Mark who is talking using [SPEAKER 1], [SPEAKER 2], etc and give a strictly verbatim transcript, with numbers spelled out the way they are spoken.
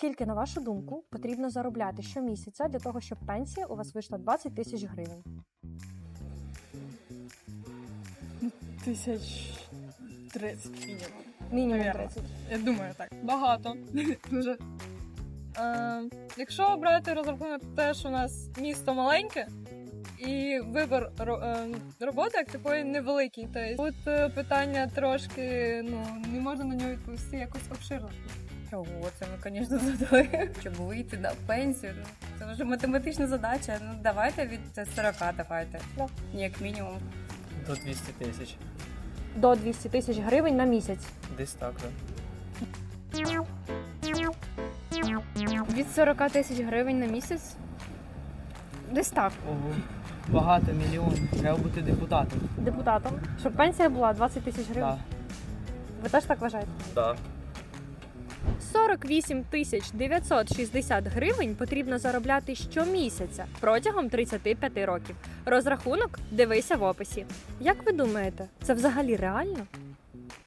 [SPEAKER 1] Скільки, на вашу думку, потрібно заробляти щомісяця для того, щоб пенсія у вас вийшла двадцять тисяч гривень?
[SPEAKER 2] Тисяч тридцять мінімум.
[SPEAKER 1] Мінімум
[SPEAKER 2] Навірно.
[SPEAKER 1] тридцять.
[SPEAKER 2] Я думаю, так. Багато. Дуже. Е, якщо брати розрахунок те, що у нас місто маленьке, і вибір ро- е, роботи як такої невеликий. Тобто тут е, питання трошки, ну, не можна на нього відповісти якось обширно.
[SPEAKER 3] Чого? Це ми, звісно, задали. Щоб вийти на пенсію. Ну, це вже математична задача. Ну, давайте від сорока, давайте.
[SPEAKER 1] Да.
[SPEAKER 3] Як мінімум.
[SPEAKER 4] До двісті тисяч.
[SPEAKER 1] До двісті тисяч гривень на місяць.
[SPEAKER 4] Десь так, так.
[SPEAKER 5] Від сорока тисяч гривень на місяц? Десь так.
[SPEAKER 6] Ого, багато мільйонів. Треба бути депутатом.
[SPEAKER 1] Депутатом. Щоб пенсія була двадцять тисяч гривень.
[SPEAKER 6] Так.
[SPEAKER 1] Ви теж так вважаєте?
[SPEAKER 4] Так.
[SPEAKER 1] сорок вісім тисяч дев'ятсот шістдесят гривень потрібно заробляти щомісяця протягом тридцяти п'яти років. Розрахунок дивися в описі. Як ви думаєте, це взагалі реально?